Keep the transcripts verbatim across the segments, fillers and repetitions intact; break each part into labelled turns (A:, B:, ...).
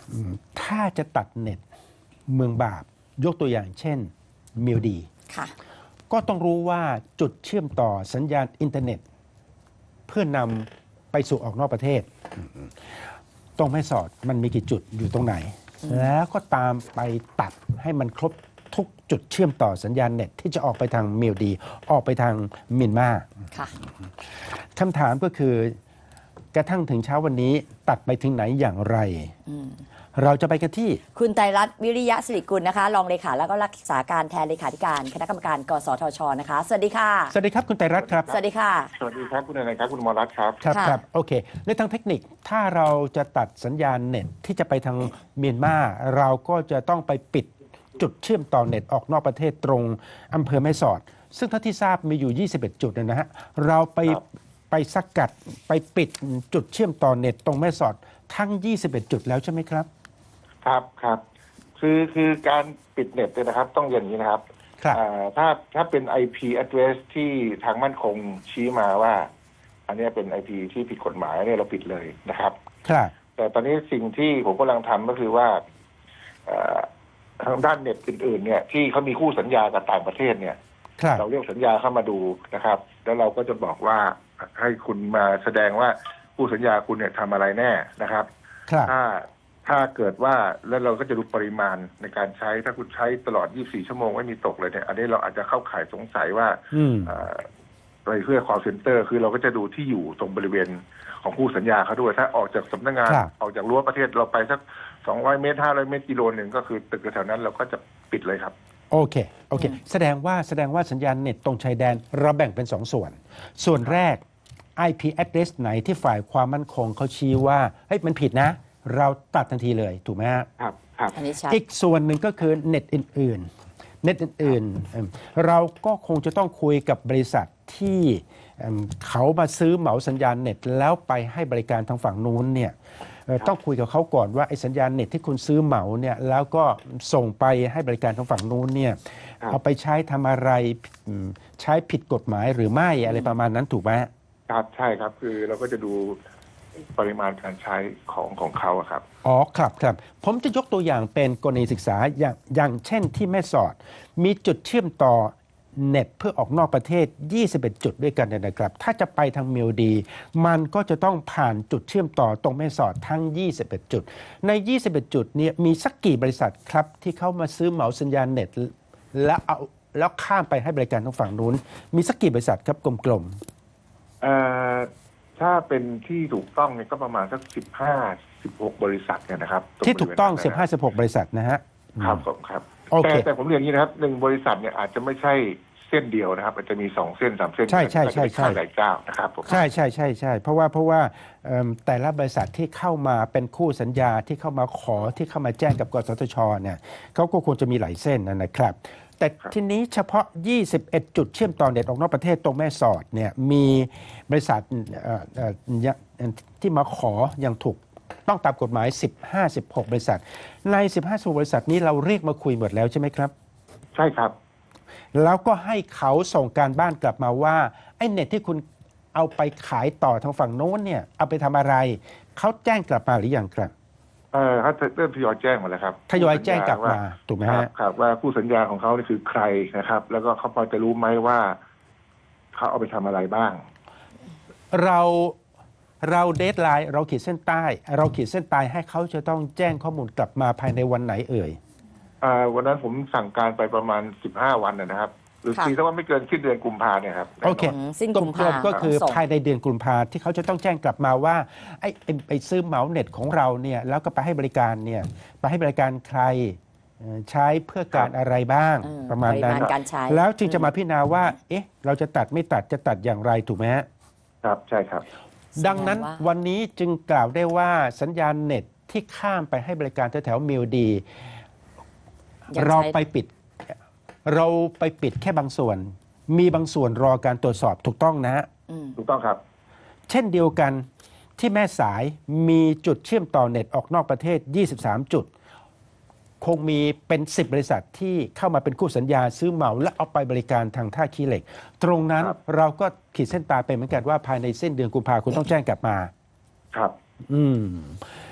A: ถ้าจะตัดเน็ตเมืองบาปยกตัวอย่างเช่นมิวดี
B: ค่ะ
A: ก็ต้องรู้ว่าจุดเชื่อมต่อสัญญาณอินเทอร์เน็ต เพื่อนำไปสู่ออกนอกประเทศตรงแม่สอดมันมีกี่จุดอยู่ตรงไหน แล้วก็ตามไปตัดให้มันครบทุกจุดเชื่อมต่อสัญญาณเน็ตที่จะออกไปทางมิวดีออกไปทางเมียนมาคำถามก็คือกระทั่งถึงเช้าวันนี้ตัดไปถึงไหนอย่างไรเราจะไปกันที่
B: คุณไตรรัตน์วิริยะสิริกุลนะคะรองเลขาแล้วก็รักษาการแทนเลขาธิการคณะกรรมการกสทชนะคะสวัสดีค่ะ
A: สวัสดีครับคุณไตรรัตน์ครับ
B: สวัสดีค่ะ
C: สวัสดีครับคุณนายครับคุณมรัตน์ครับ
A: ครับครับโอเคในทางเทคนิคถ้าเราจะตัดสัญญาณเน็ตที่จะไปทางเมียนมาเราก็จะต้องไปปิดจุดเชื่อมต่อเน็ตออกนอกประเทศตรงอำเภอแม่สอดซึ่งเท่าที่ทราบมีอยู่ยี่สิบเอ็ดจุดนะฮะเราไปไปสกัดไปปิดจุดเชื่อมต่อเน็ตตรงแม่สอดทั้งยี่สิบเอ็ดจุดแล้วใช่ไหมครับ
C: ครับครับคือคือการปิดเน็ตเนี่ยนะครับต้องอย่างนี้นะครับถ้าถ้าเป็น ไอ พี address ที่ทางมั่นคงชี้มาว่าอันนี้เป็น ไอ พี ที่ผิดกฎหมายเนี่ยเราปิดเลยนะครับ
A: ครับ
C: แต่ตอนนี้สิ่งที่ผมกำลังทำก็คือว่าทางด้านเน็ตอื่นๆเนี่ยที่เขามีคู่สัญญากับต่างประเทศเนี่ยเราเรียกสัญญาเข้ามาดูนะครับแล้วเราก็จะบอกว่าให้คุณมาแสดงว่าคู่สัญญาคุณเนี่ยทำอะไรแน่นะครับถ้าถ้าเกิดว่าแล้วเราก็จะดูปริมาณในการใช้ถ้าคุณใช้ตลอดยี่สิบสี่ชั่วโมงไม่มีตกเลยเนี่ยอันนี้เราอาจจะเข้าข่ายสงสัยว่าไปเพื่อ call center คือเราก็จะดูที่อยู่ตรงบริเวณของคู่สัญญาเขาด้วยถ้าออกจากสำนักงานออกจากรั้วประเทศเราไปสักสองร้อยเมตรห้าร้อยเมตรกิโลหนึ่งก็คือตึกแถวนั้นเราก็จะปิดเลยครับ
A: โอเคโอเคแสดงว่าแสดงว่าสัญญาณเน็ตตรงชายแดนเราแบ่งเป็นสองส่วนส่วนแรก ไอ พี address ไหนที่ฝ่ายความมั่นคงเขาชี้ว่าเฮ้ยมันผิดนะเราตัดทันทีเลยถูกไหมฮะ
C: ครับครับ
A: อีกส่วนหนึ่งก็คือเน็ตอื่นๆเน็ตอื่นๆเราก็คงจะต้องคุยกับบริษัทที่เขามาซื้อเหมาสัญญาณเน็ตแล้วไปให้บริการทางฝั่งนู้นเนี่ยต้องคุยกับเขาก่อนว่าไอ้สัญญาณเน็ตที่คุณซื้อเหมาเนี่ยแล้วก็ส่งไปให้บริการทางฝั่งนู้นเนี่ยเอาไปใช้ทำอะไรใช้ผิดกฎหมายหรือไม่อะไรประมาณนั้นถูกไหม
C: ครับใช่ครับคือเราก็จะดูปริมาณการใช้ของของเขาครับ
A: อ๋อครับครับผมจะยกตัวอย่างเป็นกรณีศึกษาอย่างอย่างเช่นที่แม่สอดมีจุดเชื่อมต่อเน็ตเพื่อออกนอกประเทศยี่สิบเอ็ดจุดด้วยกันนะครับถ้าจะไปทางมิวดีมันก็จะต้องผ่านจุดเชื่อมต่อตรงแม่สอดทั้งยี่สิบเอ็ดจุดในยี่สิบเอ็ดจุดนี้มีสักกี่บริษัทครับที่เข้ามาซื้อเหมาสัญญาณเน็ตแล้วเอาแล้วข้ามไปให้บริการทางฝั่งนู้นมีสักกี่บริษัทครับกลม
C: ๆเอ่อถ้าเป็นที่ถูกต้องเนี่ยก็ประมาณสักสิบห้าสิบหกบริษัทเนี่ยนะครับ
A: ที่ถูกต้องสิบห้าสิบหกบริษัทนะฮะ
C: ครับผมครับแต่แต่ผมเรียนอย่างนี้นะครับหนึ่งบริษัทเนี่ยอาจจะไม่ใช่เส้นเดียวนะครับอาจจะมีสองเส้นสามเส้น
A: ใช่ใช่ใช่ใช่
C: หลายเจ้านะครับผม
A: ใช่ใช่ใช่ใช่เพราะว่าเพราะว่าแต่ละบริษัทที่เข้ามาเป็นคู่สัญญาที่เข้ามาขอที่เข้ามาแจ้งกับกสทชเนี่ยเขาก็ควรจะมีหลายเส้นนะครับแต่ทีนี้เฉพาะยี่สิบเอ็ดจุดเชื่อมต่อเน็ตออกนอกประเทศตรงแม่สอดเนี่ยมีบริษัทที่มาขออย่างถูกต้องตามกฎหมายสิบห้า สิบหกบริษัทในสิบห้า สิบหกบริษัทนี้เราเรียกมาคุยหมดแล้วใช่ไหมครับ
C: ใช่ครับ
A: แล้วก็ให้เขาส่งการบ้านกลับมาว่าไอ้เน็ตที่คุณเอาไปขายต่อทางฝั่งโน้นเนี่ยเอาไปทำอะไรเขาแจ้งกลับมาหรือยังครับ
C: เออเขาเริ่มทยอยแจ้งมาแล้วครับ
A: ทยอยแจ้งกลับมาถูกไหมฮะ
C: ครับว่าคู่สัญญาของเขานี่คือใครนะครับแล้วก็เขาพอจะรู้ไหมว่าเขาเอาไปทำอะไรบ้าง
A: เราเราเดดไลน์เราขีดเส้นใต้เราขีดเส้นใต้ให้เขาจะต้องแจ้งข้อมูลกลับมาภายในวันไหนเอ่ย
C: อ่าวันนั้นผมสั่งการไปประมาณสิบห้าวันนะครับหรือทีถ้าว่าไม่เกินสิ้นเดือนกุมภาเนี่ยครับ
A: โอเคสิ้นกุมภาก็คือภายในเดือนกุมภาที่เขาจะต้องแจ้งกลับมาว่าไอ้ไปซื้อเหมาเน็ตของเราเนี่ยแล้วก็ไปให้บริการเนี่ยไปให้บริการใครใช้เพื่อการอะไรบ้างประมาณนั้นแล้วจึงจะมาพิจารณาว่าเอ๊ะเราจะตัดไม่ตัดจะตัดอย่างไรถูกไหมฮะ
C: ครับใช่ครับ
A: ดังนั้นวันนี้จึงกล่าวได้ว่าสัญญาณเน็ตที่ข้ามไปให้บริการแถวๆมิวดีเราไปปิดเราไปปิดแค่บางส่วนมีบางส่วนรอการตรวจสอบถูกต้องนะ
C: ถูกต้องครับ
A: เช่นเดียวกันที่แม่สายมีจุดเชื่อมต่อเน็ตออกนอกประเทศยี่สิบสามจุดคงมีเป็นสิบบริษัทที่เข้ามาเป็นคู่สัญญาซื้อเหมาและเอาไปบริการทางท่าขี้เหล็กตรงนั้นเราก็ขีดเส้นตายไปเหมือนกันว่าภายในสิ้นเดือนกุมภาพันธ์คุณต้องแจ้งกลับมา
C: ครับ
A: อืม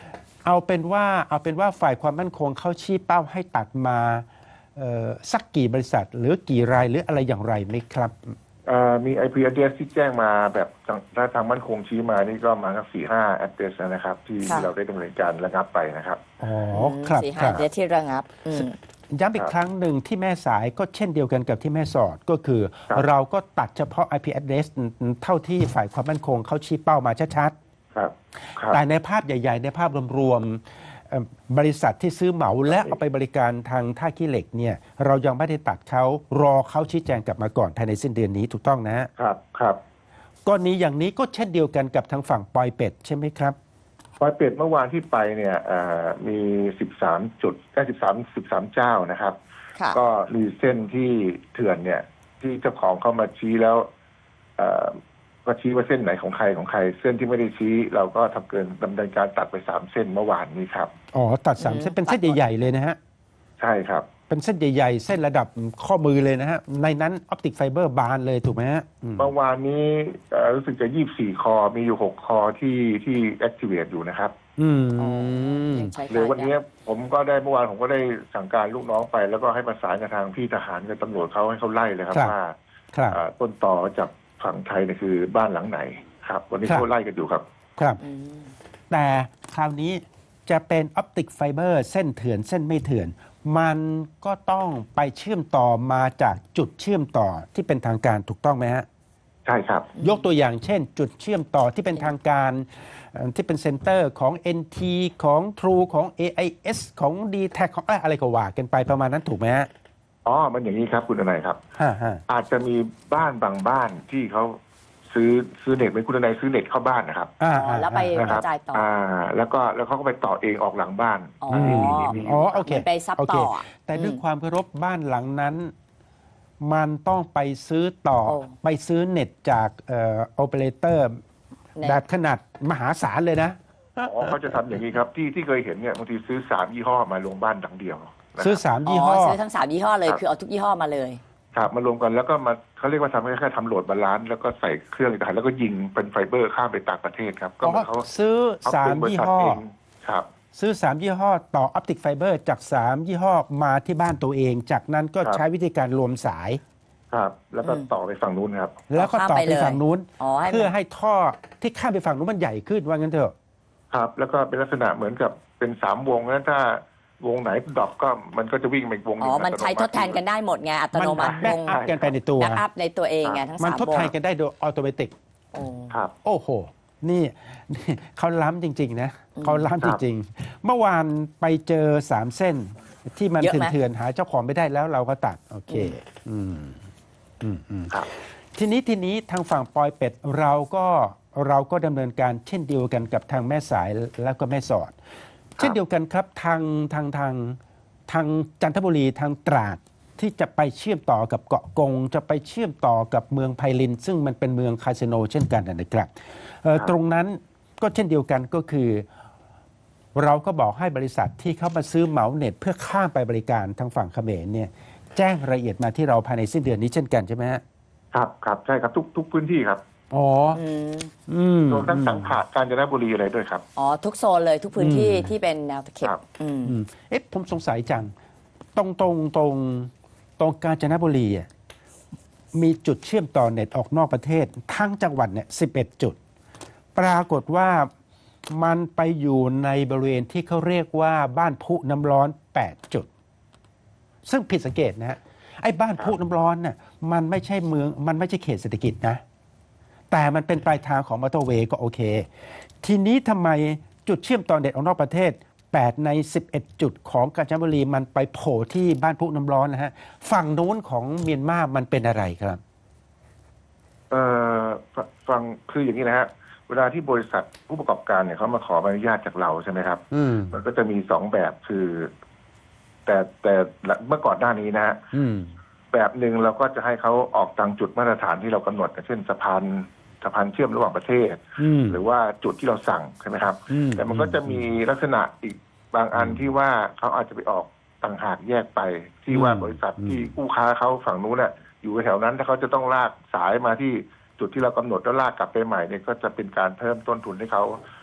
A: เอาเป็นว่าเอาเป็นว่าฝ่ายความมั่นคงเขาชี้เป้าให้ตัดมาเอ่อสักกี่บริษัท หรือกี่รายหรืออะไรอย่างไรไหมครับ
C: เอ่อมี ไอ พี address ที่แจ้งมาแบบทางถ้าทางมั่นคงชี้มานี่ก็มาสักสี่ห้า address นะครับ ที่
B: ค่ะ
C: เราได้ดำเนินการระงับไปนะครับ
A: อ๋อครับ
B: สี่
A: ค
B: ห้า
A: รับ
B: เดือนที่ระงับอืม
A: ย้ำอีกครั้งหนึ่งที่แม่สายก็เช่นเดียวกันกับที่แม่สอดก็คือ
C: ครับ
A: เราก็ตัดเฉพาะ ไอ พี address เท่าที่ฝ่ายความมั่นคงเขาชี้เป้ามาชัด
C: ครับครับ
A: ๆแต่ในภาพใหญ่ ๆ ในภาพรวมๆเอ่อบริษัทที่ซื้อเหมาและเอาไปบริการทางท่าขี้เหล็กเนี่ยเรายังไม่ได้ตัดเขารอเขาชี้แจงกลับมาก่อนภายในสิ้นเดือนนี้ถูกต้องนะฮะ
C: ครับครับ
A: กรณีอย่างนี้ก็เช่นเดียวกันกับทางฝั่งปอยเป็ดใช่ไหมครับ
C: ปอยเป็ดเมื่อวานที่ไปเนี่ยเอ่อมีสิบสามจุดได้สิบสามสิบสามเจ้านะครับ
B: ค่ะ
C: ก็มีเส้นที่เถื่อนเนี่ย ที่เจ้าของเข้ามาชี้แล้วเอ่อก็ชี้ว่าเส้นไหนของใครของใคร เส้นที่ไม่ได้ชี้ เราก็ทำเกินดำเนินการตัดไปสามเส้นเมื่อวานนี้ครับ
A: อ๋อตัดสาม
B: อืม
A: เส้นเป็นเส้นใหญ่ๆเลยนะฮะ
C: ใช่ครับ
A: เป็นเส้นใหญ่ๆ เส้นระดับข้อมือเลยนะฮะ ในนั้นออปติกไฟเบอร์บานเลยถูกไหมฮะอืม
C: เมื่อวานนี้เอ่อรู้สึกจะยี่สิบสี่คอ มีอยู่หกคอที่ที่ activate อยู่นะครับ
A: อืม
B: อ๋อยังใช้
C: หรือ
B: การ
C: วันนี้ผมก็ได้เมื่อวานผมก็ได้สั่งการลูกน้องไป แล้วก็ให้ประสานกับทางพี่ทหารกับตำรวจเขาให้เขาไล่เลยครับ
A: ครับ
C: ว่า
A: ครับ
C: เอ่อต้นต่อจากฝั่งไทยเนี่ยคือบ้านหลังไหนครับ วันนี้
A: ครับ
C: เขาไล่กันอยู่ครับ
A: ครับ
B: อืม
A: แต่คราวนี้จะเป็นออปติกไฟเบอร์เส้นเถื่อนเส้นไม่เถื่อน มันก็ต้องไปเชื่อมต่อมาจากจุดเชื่อมต่อที่เป็นทางการถูกต้องไหมฮะ
C: ใช่ครับ
A: ยกตัวอย่างเช่น จุดเชื่อมต่อที่เป็นทางการเอ่อที่เป็นเซ็นเตอร์ของ เอ็น ที ของ True ของ เอ ไอ เอส ของ ดี แท็ก ของอะไรก็ว่ากันไปประมาณนั้นถูกไหมฮะ
C: อ๋อ มันอย่างนี้ครับคุณทนายครับ
A: ฮ่าฮ่า
C: อาจจะมีบ้านบางบ้านที่เขาซื้อซื้อเน็ตเป็นคุณทนายซื้อเน็ตเข้าบ้านนะครับ
A: อ่า
B: อ๋อแล้วไป
C: นะ
B: ก
C: ครั
B: ระจายต่อ
C: อ่า แล้วก็แล้วเขาก็ไปต่อเองออกหลังบ้าน
B: อ๋อ
C: อันนี้
B: อ
C: มีมีมี
A: อ๋อโอเค
B: มันไปซับ
A: โอเค
B: ต่ออ่ะ
A: แต่ด้วย
B: อืม
A: ความเคารพบ้านหลังนั้น มันต้องไปซื้อต่อ
B: โอ้
A: ไปซื้อเน็ตจากเอ่อโอเปอเรเตอร์
B: เน็ต
A: แบบขนาดมหาศาลเลยนะ
C: อ๋อเขาจะทำอย่างนี้ครับ ที่ที่เคยเห็นเนี่ยบางทีซื้อสามยี่ห้อมาลงบ้านหลังเดียวนะครับ
A: ซื้อสาม
B: อ๋
A: ยี่ห้
B: อ
A: อ
B: ซื้อทั้งสามยี่ห้อเลย
C: ครับ
B: คือเอาทุกยี่ห้อมาเลย
C: ครับมารวมกันแล้วก็มาเขาเรียกว่าทำให้แค่ทำโหลดบาลานซ์แล้วก็ใส่เครื่องอีกต่างหากแล้วก็ยิงเป็นไฟเบอร์ข้ามไปต่างประเทศครับ ก็เหมือนเขา
A: ซื้อ
C: เขา
A: สา
C: เป็
A: ม
C: นบริ
A: ยี่
C: ษัท
A: ห้อ
C: เองครับ
A: ซื้อสามยี่ห้อต่อออปติกไฟเบอร์จากสามยี่ห้อมาที่บ้านตัวเอง จากนั้นก็
C: ครับ
A: ใช้วิธีการรวมสาย
C: ครับ แล้วก็
B: อืม
C: ต่อไปฝั่งนู้นครับ
A: แล้วก็ต่อ
B: ข้ามไป
A: ไป
B: เลย
A: ฝั่งนู้น
B: อ๋อให้มัน
A: เพื่อให้ท่อที่ข้ามไปฝั่งนู้นมันใหญ่ขึ้นว่างั้นเถอะ
C: ครับ แล้วก็เป็นลักษณะเหมือนกับเป็นสามวงนั้นถ้าวงไหนดรอปก็มันก็จะวิ่งไปอีกวงห
B: อ๋
C: นึ่
B: อง มันใช้ทดแทนกันได้หมดไงอัต
A: มัน
B: โนมัติ
A: แบ็กอัพกันไปในตัว
B: แบ็กอัพในตัวเองไงทั้ง
A: มัน
B: สาม
A: ทด
B: วง
A: แทนกันได้โดยออโตเมติก
B: โอ้
C: ครับ
A: โอ้โห นี่นี่เขาล้ำจริง ๆ นะ
B: อืม
A: เขาล้ำจริง ๆ เมื่อวานไปเจอสามเส้น ที่มัน
B: เยอะไหม
A: เถื่อนๆหาเจ้าของไม่ได้แล้วเราก็ตัด โอเค อืมอืมอืม
C: ครับ
A: ทีนี้ทีนี้ทางฝั่งปอยเป็ดเราก็เราก็ดำเนินการเช่นเดียวกันกับทางแม่สายแล้วก็แม่สอด เช่นเดียวกันครับทางทางทางทางจันทบุรีทางตราดที่จะไปเชื่อมต่อกับเกาะกง จะไปเชื่อมต่อกับเมืองไพลิน ซึ่งมันเป็นเมืองคาสิโนเช่นกันนะครับเอ่อ
C: ครับ
A: ตรงนั้นก็เช่นเดียวกันก็คือ เราก็บอกให้บริษัทที่เข้ามาซื้อเหมาเน็ต เพื่อข้ามไปบริการทางฝั่งเขมรเนี่ยแจ้งรายละเอียดมาที่เราภายในสิ้นเดือนนี้เช่นกันใช่ไหมฮะ
C: ครับครับใช่ครับทุกทุกพื้นที่ครับ
A: อ๋อ
B: อืม
A: อืม
C: รวมทั้งสังขะกาญจนบุรีอะไรด้วยครับ
B: อ๋อทุกโซนเลยทุกพื้นที่
A: อืม
B: ที่เป็นแนวตะเข็บ
C: ครับ
B: อืม
A: อืมเอ๊ะผมสงสัยจัง ตรงตรงตรงตรงกาญจนบุรีอ่ะมีจุดเชื่อมต่อเน็ตออกนอกประเทศ ทั้งจังหวัดเนี่ยสิบเอ็ดจุด ปรากฏว่ามันไปอยู่ในบริเวณที่เขาเรียกว่าบ้านพุน้ำร้อนแปดจุด ซึ่งผิดสังเกตนะฮะไอ้บ้านพุน้ำร้อนน่ะมันไม่ใช่เมืองมันไม่ใช่เขตเศรษฐกิจนะ แต่มันเป็นปลายทางของมอเตอร์เวย์ก็โอเค ทีนี้ทำไมจุดเชื่อมต่อเน็ตออกนอกประเทศ แปด ใน สิบเอ็ด จุดของกาญจนบุรีมันไปโผล่ที่บ้านพุน้ำร้อนนะฮะ ฝั่งนู้นของเมียนมามันเป็นอะไรครับ
C: เอ่อฟฟังคืออย่างนี้นะฮะเวลาที่บริษัทผู้ประกอบการเนี่ยเขามาขอใบอนุญาตจากเราใช่ไหมครับ
A: อืม
C: มันก็จะมีสองแบบคือ แต่แต่เมื่อก่อนหน้านี้นะฮะ
A: อืม
C: แบบหนึ่งเราก็จะให้เขาออกตามจุดมาตรฐานที่เรากำหนดเช่นสะพานสะพานเชื่อมระหว่างประเทศ
A: อืม
C: หรือว่าจุดที่เราสั่งใช่ไหมครับ
A: อืม
C: แต่มันก็จะมีลักษณะอีกบางอันที่ว่าเขาอาจจะไปออกต่างหากแยกไป ที่ว่าบริษัทที่กู้ค้าเขาฝั่งนู้นน่ะอยู่แถวนั้นถ้าเขาจะต้องลากสายมาที่จุดที่เรากำหนดแล้วลากกลับไปใหม่เนี่ยก็จะเป็นการเพิ่มต้นทุนให้เขา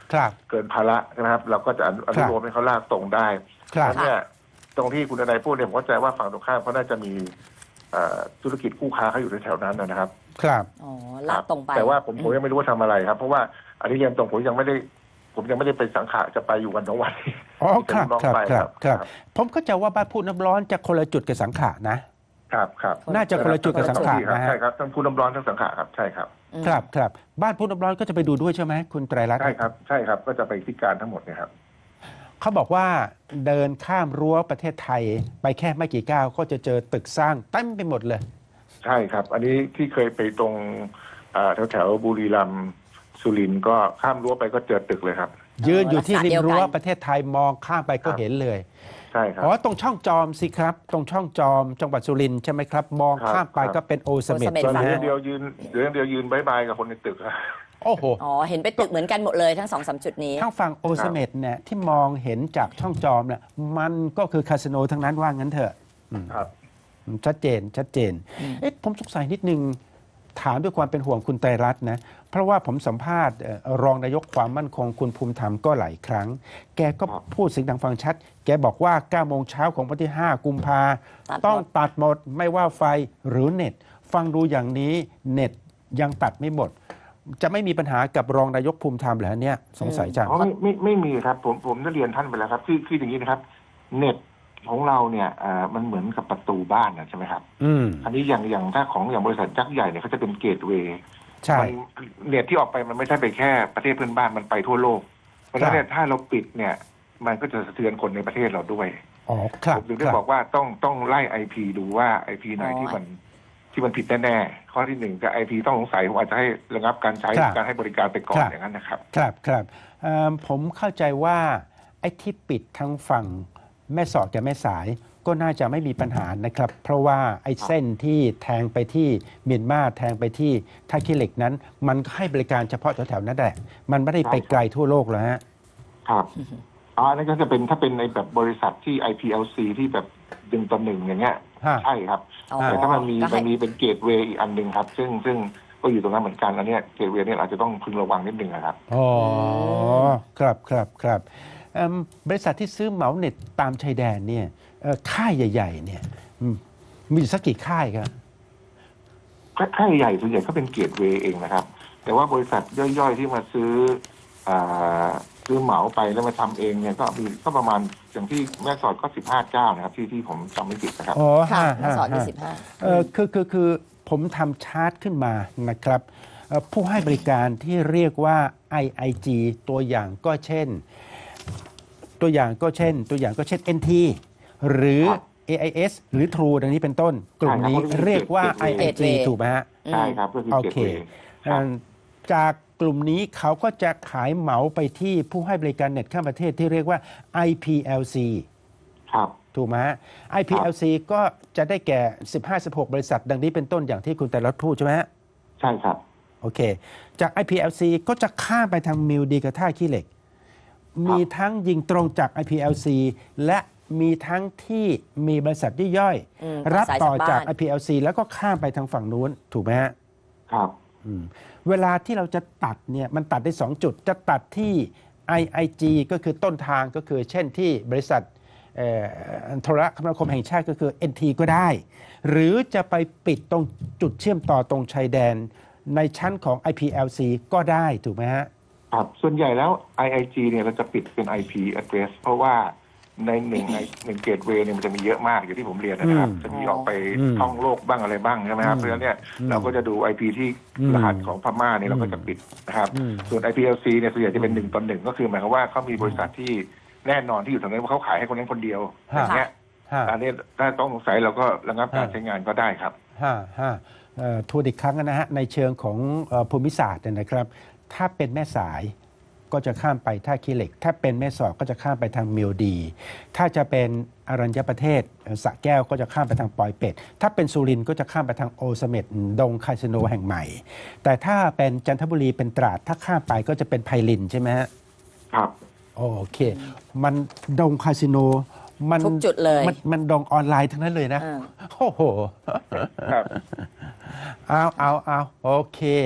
A: ครับ
C: เกินภาระนะครับ เราก็จะอนุอนุโลมให้เขาลากตรงได้
A: ครับ
C: แล้วเนี่ยตรงที่คุณนายพูดเนี่ยผมเข้าใจว่าฝั่งตรงข้ามเขาน่าจะมีเอ่อธุรกิจคู่ค้าเขาอยู่แถวๆนั้นนะครับ
A: ครับ
B: อ๋อลากตรงไป
C: แต่ว่าผมผมยังไม่รู้ว่าทำอะไรครับ เพราะว่าอันนี้เรียนตรงผมยังไม่ได้ ผมยังไม่ได้ไปสังขะจะไปอยู่วันสองวัน
A: อ๋อครับ
C: ที่เป็นลูกน้อง
A: ครับ
C: ไป
A: ครับครับผมเข้าใจว่าบ้านพูดน้ำร้อนจะคนละจุดกับสังขะนะ
C: ครับครับ
A: น่าจะคนละจุดกับสังขะนะฮะ
C: ใช่ครับทั้งคุณน้ำร้อนทั้งสังขะครับใช่ครับ
B: อืม
A: ครับครับบ้านพูดน้ำร้อนก็จะไปดูด้วยใช่ไหมคุณไตรรัตน์
C: ใช่ครับใช่ครับก็จะไปที่การทั้งหมดเนี่ยครับ
A: เขาบอกว่าเดินข้ามรั้วประเทศไทย ไปแค่ไม่กี่ก้าวก็จะเจอตึกสร้างเต็มไปหมดเลย
C: ใช่ครับ อันนี้ที่เคยไปตรงแถวแถวๆบุรีรัมย์สุรินทร์ก็ข้ามรั้วไปก็เจอตึกเลยครับ
A: ยืนอยู่ที่ริมรั้ว
B: ลักษณะเดียวกัน
A: ประเทศไทยมองข้ามไปก็
C: ครับ
A: เห็นเลย
C: ใช่ครับ
A: อ๋อตรงช่องจอมสิครับ ตรงช่องจอมจังหวัดสุรินทร์ใช่ไหมครับ มอง
C: ครับ
A: ข้ามไป
C: ครับ
A: ก็เป็นโอเสเม็ด
B: โอเสม็ด
C: ตอน
A: นะ
C: นี้
A: ฮะ
C: เดียวยืนเดี๋ยวเดียวยืนบายบายกับคนในตึกครับ
A: โอ้โห
B: อ๋อเห็นไปตึกเหมือนกันหมดเลยทั้งสองสามจุดนี้
A: ทางฝั่งโอเสเม็ดเนี่ยที่มองเห็นจากช่องจอมเนี่ยมันก็คือคาสิโนทั้งนั้นว่างั้นเถอะอืม
C: ครับ
A: ชัดเจนชัดเจน
B: อืม
A: เอ๊ะผมสงสัยนิดนึงถามด้วยความเป็นห่วงคุณไตรรัตน์นะเพราะว่าผมสัมภาษณ์เอ่อรองนายกความมั่นคงคุณภูมิธรรมก็หลายครั้ง แกก็
C: ครับ
A: พูดเสียงดังฟังชัด แกบอกว่าเก้าโมงเช้าของวันที่ห้ากุมภา
B: ตัดหมด
A: ต้องตัดหมดไม่ว่าไฟหรือเน็ต ฟังดูอย่างนี้เน็ตยังตัดไม่หมด จะไม่มีปัญหากับรองนายกภูมิธรรมเหรอเนี่ยสงสัยจัง
C: อ๋อไม่ไม่ไม่มีครับผมผมได้เรียนท่านไปแล้วครับคือคืออย่างนี้นะครับ เน็ตของเราเนี่ยอ่ามันเหมือนกับประตูบ้านนะใช่ไหมครับ
A: อืม
C: อันนี้อย่างอย่างถ้าของอย่างบริษัทยักษ์ใหญ่เนี่ยเขาจะเป็นเกตเวย์
A: ใช่
C: มันเน็ตที่ออกไปมันไม่ใช่ไปแค่ประเทศเพื่อนบ้านมันไปทั่วโลก เพราะฉะนั้นเนี่ยถ้าเราปิดเนี่ย มันก็จะสะเทือนคนในประเทศเราด้วย
A: อ๋อครั
C: ผ
A: บ
C: มถึง
A: ค
C: ได้
A: รับ
C: บอกว่าต้องต้องไล่ไอพีดูว่าไอพีไหน
B: อ๋อ
C: ที่มันที่มันผิดแน่ๆข้อที่หนึ่งกับไอพีต้องสงสัยผมอาจจะให้ระงับการใช้
A: ครับ
C: การให้บริการไปก่อ
A: คน รับ
C: อย่างนั้นนะครับ
A: ครับครับเอิ่มผมเข้าใจว่าไอ้ที่ปิดทางฝั่งแม่สอดกับแม่สายก็น่าจะไม่มีปัญหานะครับ เพราะว่าไอ้เส้นที่แทงไปที่เมียนมาแทงไปที่ท่าขี้เหล็กนั้น มันก็ให้บริการเฉพาะแถวๆนั้นแหละมันไม่ได้ไปไกลทั่วโลกแล้วฮะ
C: ครับอ๋ออันนั้นก็จะเป็นถ้าเป็นในแบบบริษัทที่ ไอ พี แอล ซี ที่แบบดึงต่อหนึ่งอย่างเงี้ย
A: ฮะ
C: ใช่ครับ
B: อ๋อ
C: แต่ถ้ามันมี
B: ก็ให้
C: มันมีเป็นเกตเวย์อีกอันหนึ่งครับ ซึ่งซึ่งก็อยู่ตรงนั้นเหมือนกันอันเนี้ยเกตเวย์เนี่ยอาจจะต้องพึงระวังนิดนึงนะครับ
A: อ๋อครับครับครับเอิ่มบริษัทที่ซื้อเหมาเน็ตตามชายแดนเนี่ยเอ่อค่ายใหญ่ๆเนี่ยอืมมีอยู่สักกี่ค่ายครับ
C: ค่ายใหญ่ส่วนใหญ่ก็เป็นเกตเวย์เองนะครับ แต่ว่าบริษัทย่อยๆที่มาซื้ออ่าซื้อเหมาไปแล้วมาทำเองเนี่ยก็มีก็ประมาณอย่างที่แม่สอดก็สิบห้าเจ้านะครับ ที่ที่ผมจำไม่ผิดนะครับ
A: อ๋อ
B: ค่ะ
A: ห้า
B: แม่สอด
A: ห้า
B: ยี่สิบห้า
A: เออคือคือคือผมทำชาร์ตขึ้นมานะครับเอ่อผู้ให้บริการที่เรียกว่า ไอ ไอ จี ตัวอย่างก็เช่น ตัวอย่างก็เช่น ตัวอย่างก็เช่น เอ็น ที หรือ
C: ครับ
A: เอ ไอ เอส หรือ True ดังนี้เป็นต้น กลุ่มนี้
C: ใช่ครับ
A: เรียกว่า ไอ ไอ จี
B: Gateway
A: ถูกไหมฮะ
C: ใช่ครับก็คือ
A: โอ
C: เกต
A: เค
C: เวย์ค
A: เอ่
C: รับ
A: อจากกลุ่มนี้เขาก็จะขายเหมาไปที่ผู้ให้บริการเน็ตข้ามประเทศที่เรียกว่า ไอ พี แอล ซี
C: ครับ
A: ถูกไหมฮะ ไอ พี แอล ซี ก็จะได้แก่ สิบห้าสิบหก บริษัท ดังนี้เป็นต้นอย่างที่คุณแต่ละพูดใช่ไหมฮะ
C: ใช่ครับ
A: โอเค จาก ไอ พี แอล ซี ก็จะข้ามไปทางมิวดีกับท่าขี้เหล็ก มีทั้งยิงตรงจาก ไอ พี แอล ซี และมีทั้งที่มีบริษัทย่อย
B: อืม
A: ๆรับต่อจาก
B: สายจากบ้าน
A: ไอ พี แอล ซี แล้วก็ข้ามไปทางฝั่งนู้นถูกไหมฮะ
C: ครับ
A: อืมเวลาที่เราจะตัดเนี่ยมันตัดได้สองจุด จะตัดที่ ไอ ไอ จี ก็คือต้นทางก็คือเช่นที่บริษัทเอ่อโทรคมนาคมแห่งชาติก็คือ เอ็น ที ก็ได้ หรือจะไปปิดตรงจุดเชื่อมต่อตรงชายแดน ในชั้นของ ไอ พี แอล ซี ก็ได้ถูกไหมฮะ
C: ครับส่วนใหญ่แล้ว ไอ ไอ จี เนี่ยเราจะปิดเป็น ไอ พี address เพราะว่าในหนึ่งในหนึ่งเกตเวย์เนี่ยมันจะมีเยอะมากอย่างที่ผมเรียนนะครับ
A: อืม
C: จะมีออกไป
A: อืม
C: ท่องโลกบ้างอะไรบ้างใช่ไหมครับ
A: อืม
C: เพราะฉะนั้นเนี่ย
A: อืม
C: เราก็จะดู ไอ พี ที่
A: อืม
C: รหัสของพม่าเนี่ยเราก็จะปิดนะครับ
A: อืม
C: ส่วน ไอ พี แอล ซี เนี่ยส่วนใหญ่จะเป็นหนึ่งต่อหนึ่งก็คือหมายความว่าเขามีบริษัทที่แน่นอนที่อยู่ตรงนั้นว่าเขาขายให้คนนั้นคนเดียวอย่างเงี้ย
A: ฮะ
C: อันนี้ถ้าต้องสงสัยเราก็ระงับการ
A: ฮะ
C: ใช้งานก็ได้ครับ
A: ห้าห้าเอ่อทวนอีกครั้งนะฮะในเชิงของเอ่อภูมิศาสตร์เนี่ยนะครับ ถ้าเป็นแม่สายก็จะข้ามไปท่าขี้เหล็ก ถ้าเป็นแม่สอดก็จะข้ามไปทางเมียวดี ถ้าจะเป็นอรัญญประเทศเอ่อสระแก้วก็จะข้ามไปทางปอยเป็ด ถ้าเป็นสุรินทร์ก็จะข้ามไปทางโอเสเม็ดดงคาสิโนแห่งใหม่ แต่ถ้าเป็นจันทบุรีเป็นตราดถ้าข้ามไปก็จะเป็นไพลินใช่ไหมฮะ
C: ครับ
A: โอเค มันดงคาสิโนมัน
B: ทุกจุดเลย
A: มันมันดงออนไลน์ทั้งนั้นเลยนะ
B: อ่า
A: โอ้โห
C: ครับ
A: เอาเอาเอาโอเค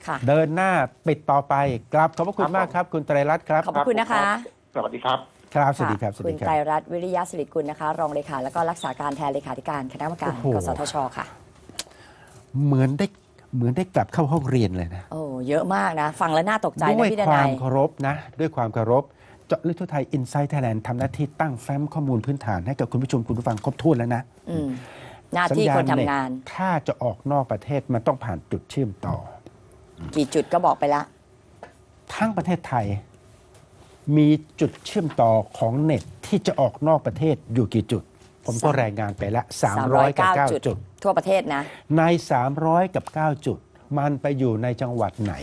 B: ค่ะ
A: เดินหน้าปิดต่อไปกราบขอบพระคุณ
C: ครับ
A: มากครับ คุณไตรรัตน์ครับ
B: ขอบพระคุณนะคะ
C: สวัสดีครับ
A: ครับสวัสดีครับสวัส
B: คุ
A: ดี
B: ณ
A: ครั
B: ไตร
A: บ
B: รัตน์วิริยะสิริกุลนะคะ รองเลขาแล้วก็รักษาการแทนเลขาธิการคณะกรรมการ
A: โอ้โห
B: กสทชค่ะ
A: เหมือนได้เหมือนได้กลับเข้าห้องเรียนเลยนะ
B: โอ้เยอะมากนะ ฟังแล้วน่าตกใจ
A: ด้
B: นะ
A: วย
B: พี่ด
A: ควา
B: นั
A: ม
B: ย
A: เคารพนะ ด้วยความเคารพเจาะลึกทั่วไทยอินไซต์ไทยแลนด์ทำหน้าที่ตั้งแฟ้มข้อมูลพื้นฐานให้กับคุณผู้ชมคุณผู้ฟังครบถ้วนแล้วนะ
B: อืมหน้าที่คนทำงาน
A: สัญญณเน็ตถ้าจะออกนอกประเทศมันต้องผ่านจุดเชื่อมต่อ
B: กี่จุดก็บอกไปละ
A: ทั้งประเทศไทยมีจุดเชื่อมต่อของเน็ตที่จะออกนอกประเทศอยู่กี่จุด ผมก็รายงานไปละสามร้อยกับเก้าจุด
B: ทั่วประเทศนะ
A: ใน สามร้อยกับเก้าจุด มันไปอยู่ในจังหวัดไหน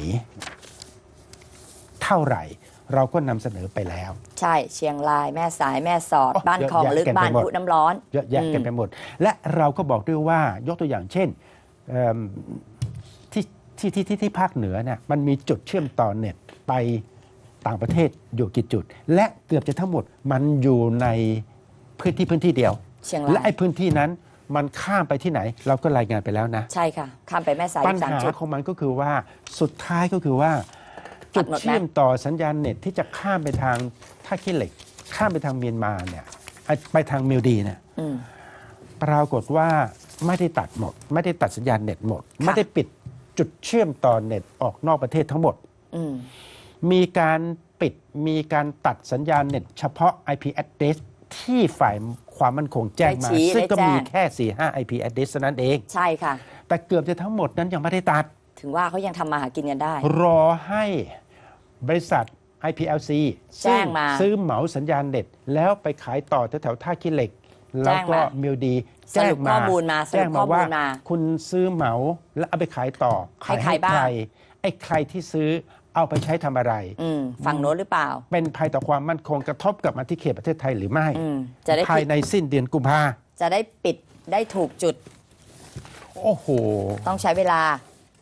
A: เท่าไหร่ เราก็นำเสนอไปแล้ว
B: ใช่เชียงรายแม่สายแม่สอด
A: โอ้
B: บ้านคลอง
A: เยอะแยะ
B: ลึก
A: กันไป
B: บ้าน
A: หมด
B: พุน้ำร้อน
A: เยอะแยะกัน
B: อืม
A: ไปหมด และเราก็บอกด้วยว่ายกตัวอย่างเช่นเอิ่มที่ที่ที่ที่ที่ภาคเหนือเนี่ยมันมีจุดเชื่อมต่อเน็ตไปต่างประเทศอยู่กี่จุด และเกือบจะทั้งหมดมันอยู่ในพื้นที่พื้นที่เดียว
B: เชียงรา
A: และ
B: ย
A: ไอ้พื้นที่นั้นมันข้ามไปที่ไหน เราก็รายงานไปแล้วนะ
B: ใช่ค่ะ ข้ามไปแม่สาย
A: ปัญ
B: สาม
A: หา
B: จุด
A: ของมันก็คือว่าสุดท้ายก็คือว่า
B: ตั
A: จุ
B: ด
A: ด
B: หมดไหม
A: เชื่อมต่อสัญญาณเน็ตที่จะข้ามไปทางท่าขี้เหล็ก ข้ามไปทางเมียนมาเนี่ยไอ้ไปทางมิวดีเนี่ย
B: อืม
A: ปรากฏว่าไม่ได้ตัดหมด ไม่ได้ตัดสัญญาณเน็ตหมด
B: ค่ะ
A: ไม่ได้ปิดจุดเชื่อมต่อเน็ตออกนอกประเทศทั้งหมด
B: อืม
A: มีการปิดมีการตัดสัญญาณเน็ตเฉพาะ ไอ พี address ที่ฝ่ายความมั่นคงแจ้งมา
B: ได้ชี้
A: ซึ่งก็
B: ได้แจ้ง
A: มีแค่ สี่ห้า ไอ พี address เท่านั้นเอง
B: ใช่ค่ะ
A: แต่เกือบจะทั้งหมดนั้นยังไม่ได้ตัด
B: ถึงว่าเขายังทำมาหากินกันได้
A: รอให้บริษัท ไอ พี แอล ซี
B: แจ้งมา
A: ซื้อเหมาสัญญาณเน็ต แล้วไปขายต่อแถวๆท่าขี้เหล็ก แล้วก็
B: แจ้งมา
A: มิวดี
B: สรุปข้อมูลมาสรุป
A: แจ้งมาว่า
B: ข้อมูลมา
A: คุณซื้อเหมาแล้วเอาไปขายต่อ
B: ให้
A: ขาย
B: ใคร
A: ให้
B: บ้าง
A: ใครไอ้ใครที่ซื้อเอาไปใช้ทำอะไร
B: อืมฝั่งโน้นหรือเปล่า
A: เป็นภัยต่อความมั่นคงกระทบกับมาที่เขตประเทศไทยหรือไม่
B: อืมจะได้
A: ภาย
B: ปิด
A: ในสิ้นเดือนกุมภา
B: จะได้ปิดได้ถูกจุด
A: โอ้โห
B: ต้องใช้เวลา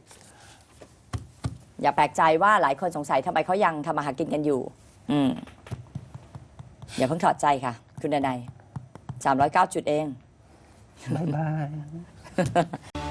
B: อย่าแปลกใจว่าหลายคนสงสัยทำไมเขายังทำมาหากินกันอยู่ อืมอย่าเพิ่งถอดใจค่ะ คุณดนัยสามร้อยเก้าจุดเอง
A: บ๊ายบาย